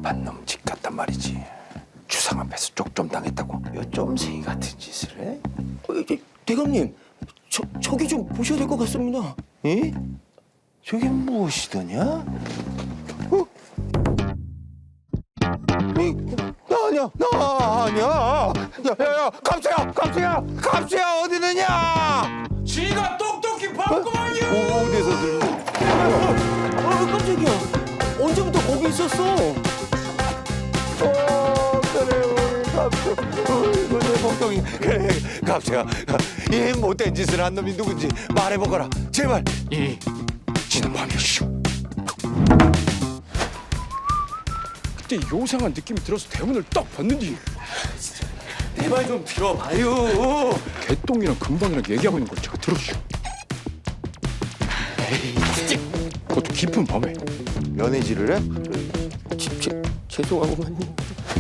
나쁜 놈 집 같단 말이지. 주상 앞에서 쪽좀 당했다고 요 쫌생이 같은 짓을 해? 대감님, 저기 좀 보셔야 될 것 같습니다. 에? 저게 무엇이더냐? 나 아니야, 나 아니야. 야야야, 감수야 어디 있느냐? 지가 똑똑히 봤구만요. 어디서 들려? 깜짝이야. 언제부터 거기 있었어? 그래 우리 감수, 이거 내 복덩이. 그래 감수야, 이 못된 짓을 한 놈이 누군지 말해보거라. 제발. 지는 밤이시오. 그때 요상한 느낌이 들어서 대문을 딱 봤는데 내 말 좀 들어봐요. 개똥이랑 금방이랑 얘기하고 있는 걸 제가 들었죠. 그것도 깊은 밤에. 연애질을 해? 죄송하구만요.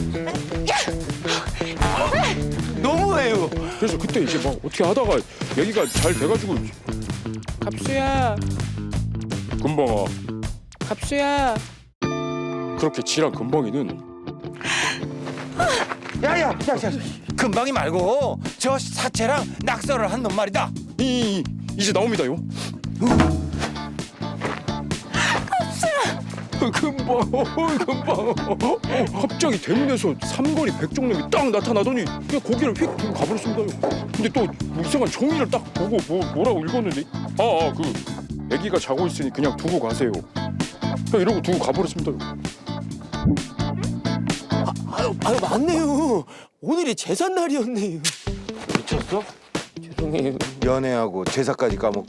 너무해요. 그래서 그때 이제 막 어떻게 하다가 얘기가 잘 돼가지고 갑수야, 금방아, 갑수야. 그렇게 지랑 금방이는 야야, 금방이 말고 저 사체랑 낙서를 한 놈 말이다. 이제 나옵니다요. 금방 갑자기 대문에서 삼거리 백종놈이 딱 나타나더니 그냥 고개를 휙 두고 가버렸습니다요. 근데 또 이상한 종이를 딱 보고 뭐라고 읽었는데 그 애기가 자고 있으니 그냥 두고 가세요. 그냥 이러고 두고 가버렸습니다요. 아유, 맞네요. 오늘이 제삿날이었네요. 미쳤어? 죄송해요. 연애하고 제사까지 까먹고